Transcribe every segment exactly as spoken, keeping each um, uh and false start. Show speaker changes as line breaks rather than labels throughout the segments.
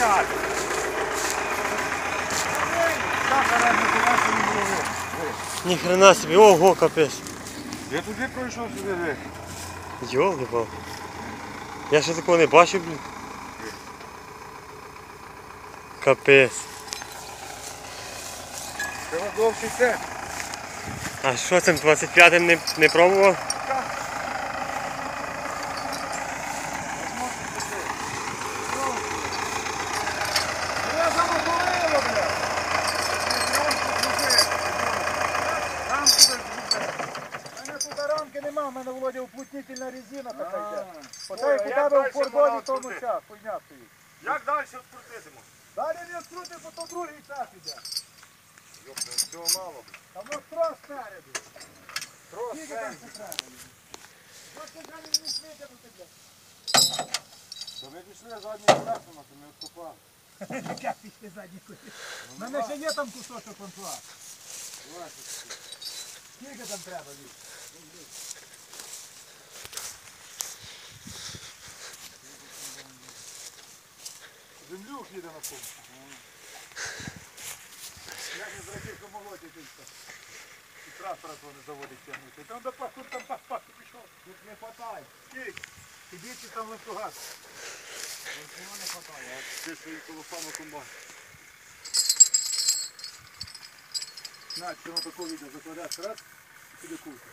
стояти.
Ні хрена собі, ого, капець.
Я туди пройшов сюди вих.
Йолки-пал. Я ще такого не бачив, блін. Капець.
Треба довше це.
А що цим двадцять п'ятим не, не пробував?
Я замоторило, бля. Рамки без У мене тут рамки нема, в мене, Володя, уплотнительна резина така йде. Оце як у тебе в фордоні тому час, хуйня стоїть.
Як далі відкрутитимо?
Далі не відкрути, бо то другий час іде.
Йопта, цього мало.
Там воно трос спереду.
Трос
Скільки там
спереду.
ще треба? Ось ти далі не витягнути, бля.
То ми пішли заднім колесом, а то ми відкопали.
Як пішли задні куди? У мене ще є там кусочок контуа. Скільки там треба, Вік? Землюк їде на пункт. Як не зробив, що молоді тільки. І трактора того не заводить тягнути. Там до пах, тут там пах-пах пішов. Тут не хватає. Скільки? Сидіть там ланцюгас. Ланцюга не хватає.
Ти своїм колосами комбайн.
Навіть, що на таку відео закладаєш раз, і туди кульку.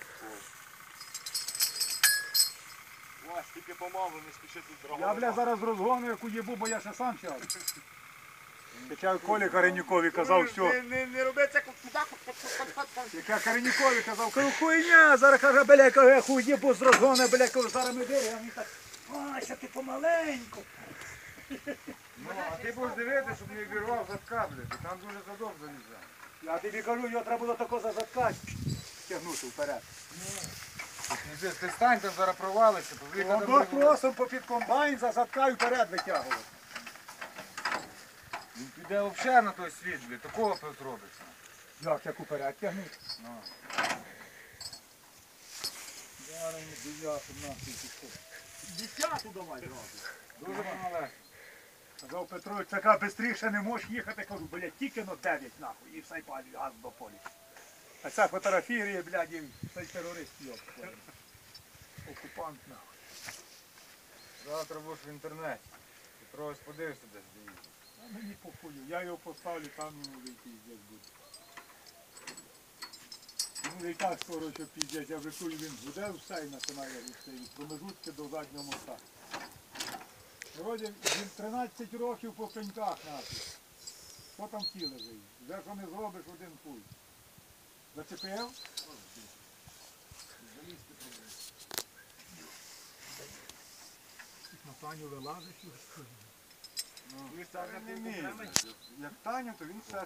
Вась, тільки помалу, не спіши тут
Я,
драгони.
бля, зараз розгону, яку їбу, бо я ще сам чав. Хоча Колі Каренюкові казав, що...
Не, не, не роби це, куди?
Яка Каренюкові казав, кажу, хуйня, зараз каже, бля, каже, хуй їбу з розгону, бля, кажу, зараз ми дивимо. А він так, а, що ти помаленьку.
Ну, а ти будеш дивитися, щоб не вірвав задка, блядь, там дуже задок залізає.
Я тобі кажу, його треба було тако за задка тягнути вперед.
Ти стань, там зараз провалишся,
Воно тросом попід комбайн за задка і вперед витягував.
Він піде взагалі на той світ, блядь, такого тут робиться.
Як, як уперед тягнути?
Ну.
Зараз не дев'яту нахуй пішов. Десяту давай зразу.
Дуже мало.
Казав Петрович, така бистріше не можеш їхати, кажу, блядь, тільки на дев'ять нахуй, і все палю, газ до полі. А ця фотографія, блядь, і цей терорист йоб. Окупант нахуй.
Завтра будеш в інтернеті. Петрович подивишся десь, де їздить.
А мені похую, я його поставлю, там йому вийти здесь буде. Ну і так скоро, що піздець, я вже чую, він буде все і починає русти, від промежутки до заднього моста. Вроді він тринадцять років по пеньках нахуй. Що там ті лежить? Вже що не зробиш, один хуй. Зачепив? Залізти треба. На Таню вилазиш і розходиш.
Ну, він не вміє. Як Таня, то він все